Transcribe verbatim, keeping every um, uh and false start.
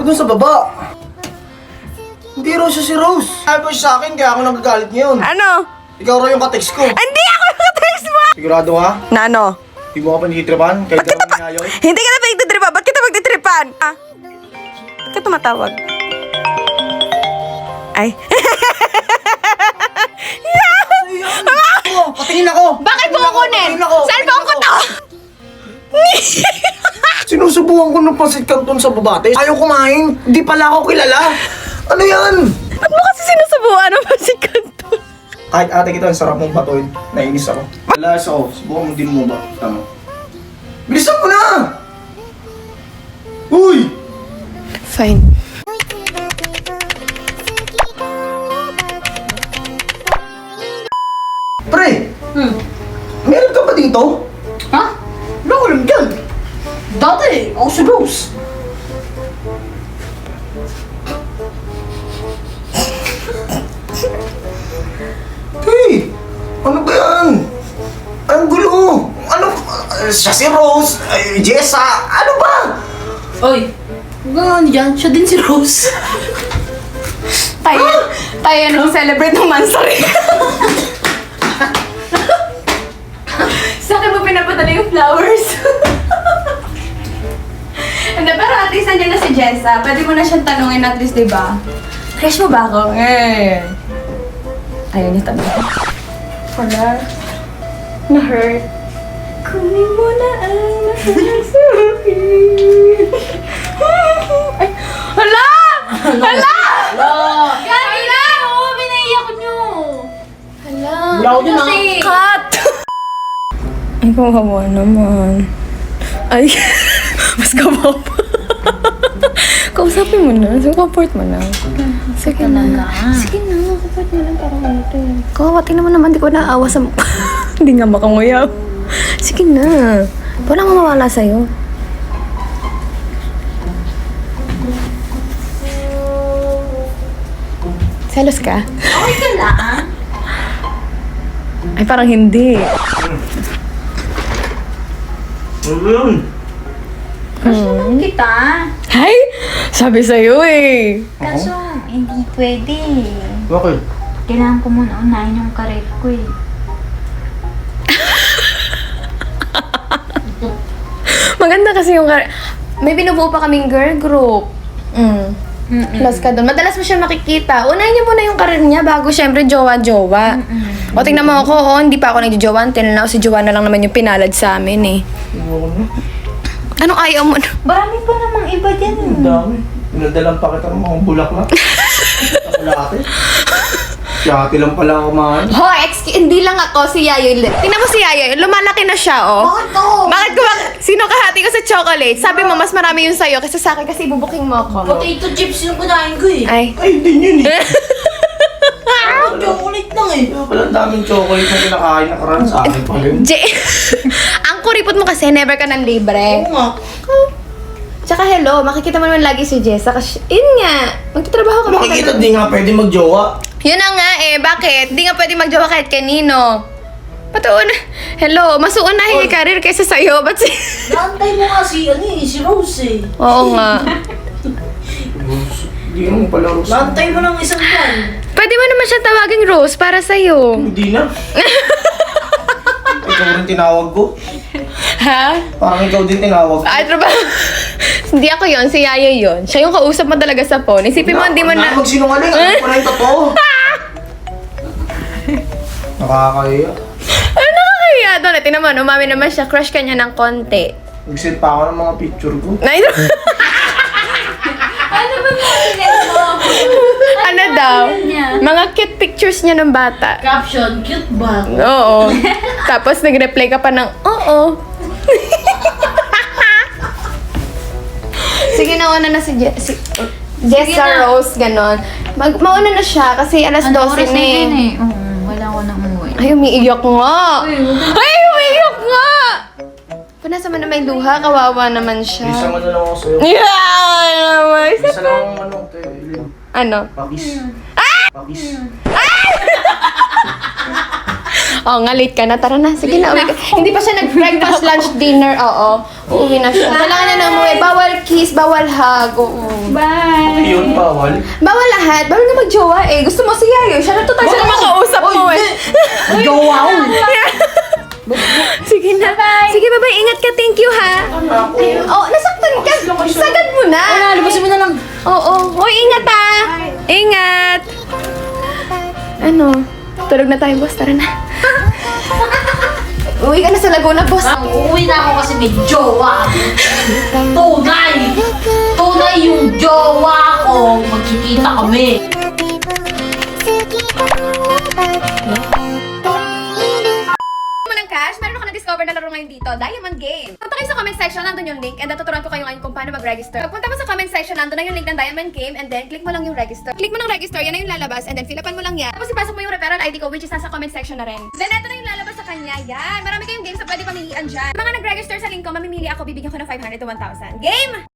dun sa baba. Hindi raw siya si Rose. Sabi po siya sa akin, kaya ako nagagalit ngayon. Ano? Ikaw raw yung ka-text ko. Hindi ako yung text mo! Sigurado ka? Na ano? Hindi mo ka panitripan? Kahit ka naman niyayoy? Hindi ka na pagtitripan. Ba't kita magtitripan? Ah? Ba't ka tumatawag? Ay. Oh, patingin ako! Bakit mo kukunin? Patingin ako! Cellphone ko to! Sinusubukan ko ng pasit canton sa babate. Ayaw kumain. Hindi pala ako kilala. Ano yan? Ba't mo kasi sinusubuan ang pasikan to? Kahit ate kita, ang sarap mong batuin. Nainis ako. Alas ako. Subukan mo din mo ba? Tama. Bilisan mo na! Uy! Fine. Pre! Hmm. Meron ka ba dito? Ha? Wala ko alam dyan. Dati, ako si Rose. Hey! Ano ba yan? Ang gulo! Ano? Uh, siya si Rose, uh, Jessa, ano ba? Oy, huwag nga ano dyan. Siya din si Rose. Tayo, tayo nang celebrate ng Mansari. Sa akin mo pinapadala yung flowers. Hindi, pero at least nandiyan na si Jessa. Pwede mo na siyang tanungin at least, di ba? Crush mo ba ako? Eh. Ayaw niya tanong. Wala. Na-hurt. Kunin mo na ang nahirap sa akin. Ay, hala! Hala! Wala. Hala! Oo, binaiyak nyo. Hala! Wala ko dun, ah. Cut! Ay, kawawa naman. Ay, mas kawawa. Kausapin mo na. So, comfort mo na. Sige na. Sige na, comfort mo lang para ano to. Kawawa, tingnan mo naman, di ko naawa sa mukha. Hindi nga makanguyaw. Sige na. Walang mawawala sa'yo. Selos ka? Okay ka lang. Ay, parang hindi. Ano yun? Kaso kita. Ay! Sabi sa'yo eh. Kaso, hindi pwede. Bakit? Kailangan ko muna unahin yung karet ko eh. Maganda kasi yung... kar- May binubuo pa kaming girl group. Mm. Plus ka doon. Madalas mo siya makikita. Unahin niyo muna yung karir niya bago syempre jowa-jowa. O tingnan mo ako, oh, hindi pa ako nagjojowa. Until now, si Jowa na lang naman yung pinalad sa amin eh. Ano na? Anong ayaw mo? Marami pa namang iba dyan. Ang dami. Pinadalang pa kita ng mga bulaklak. Chocolate. Chocolate lang pala ako man. Ho, excuse, hindi lang ako, si Yayoy. Tingnan mo si Yayoy, lumalaki na siya, oh. Bakit ako? Bakit ko, sino kahati ko sa chocolate? Sabi mo, mas marami yung sa'yo kaysa sa akin kasi ibubuking mo ako. Potato chips yung kunain ko eh. Ay. Ay, hindi yun eh. Ako, chocolate lang eh. Kaya pala ang daming chocolate na kinakain na karan sa akin pa rin. J ang kuripot mo kasi, never ka ng libre. Oo nga. Tsaka hello, makikita mo naman lagi si Jessa kasi, yun nga, magtatrabaho ka. Makikita di nga pwede magjowa. Yun na nga eh, bakit? Di nga pwede magjowa kahit kanino. Patuon, hello, mas uunahin yung karir kaysa sa'yo, ba't si... Naantay mo nga si, ano eh, si Rose eh. Oo nga. Hindi mo pala Rose. Naantay mo ng isang buwan. Pwede mo naman siya tawaging Rose para sa'yo. Hindi na. Ikaw rin tinawag ko. Ha? Parang ikaw din tinawag ko. Ay, trabaho. Hindi ako yon, si Yaya yon. Siya yung kausap mo talaga sa phone. Isipin mo, hindi mo na... Huwag magsinungaling. Ano pa na yung totoo? Nakakahiya. Ano nakakahiya doon? Eh, tingnan mo, umami naman siya. Crush ka niya ng konti. Nag-send pa ako ng mga picture ko. Ay, Ano ba natin mo? ano daw? niya? Mga cute pictures niya ng bata. Caption, cute ba? Oo. Tapos nag-reply ka pa ng, oo. Sige, nauna na si, Je- si Jessa na. Rose, ganon. Mag mauna na siya kasi alas Ano dose oras na na yun eh. eh? Oo, wala ko nang umuwi. Ay, umiiyak nga. Uy, huwag ka- Ay, umiiyak nga. Punasa mo na may luha, kawawa naman siya. Isa man na lang ako sa'yo. Yeah! naman. Isa lang ang ano, kay Eileen. Ano? Pakis. Pakis. Oo nga, late ka na. Tara na. Sige na, uwi ka. Hindi pa siya nag-breakfast, lunch, dinner. Oo. Uuwi na siya. Kailangan na na umuwi. Bawal kiss, bawal hug. Oo. Bye! Yun, bawal. Bawal lahat. Bawal nga mag-jowa eh. Gusto mo si Yayo. Siya na total siya na makausap mo eh. Jowa ko. Sige na. Bye. Sige, bye-bye. Ingat ka. Thank you, ha? Oh, nasaktan ka. Sagad mo na. Wala, lubasin mo na lang. Oo. Hoy, ingat, ha? Ingat. Ano? Tulog na tayo, boss. Tara na. Uwi ka na sa Laguna, boss. Uuwi na ako kasi may jowa. Tunay! Tunay yung jowa ko. Magkikita kami. mo ng cash, meron ako na-discover na laro ngayon dito, Diamond Game. Punta kayo sa comment section, nandun yung link, and then tuturuan ko kayo ngayon kung paano mag-register. Pagpunta mo sa comment section, nandun na yung link ng Diamond Game, and then click mo lang yung register. Click mo ng register, yan na yung lalabas, and then fill upan mo lang yan. Tapos ipasok mo yung referral I D ko, which is nasa comment section na rin. Then eto na yung lalabas sa kanya, yan. Marami kayong games na pwede pamilian dyan. Mga nag-register sa link ko, mamimili ako, bibigyan ko ng five hundred to one thousand. Game!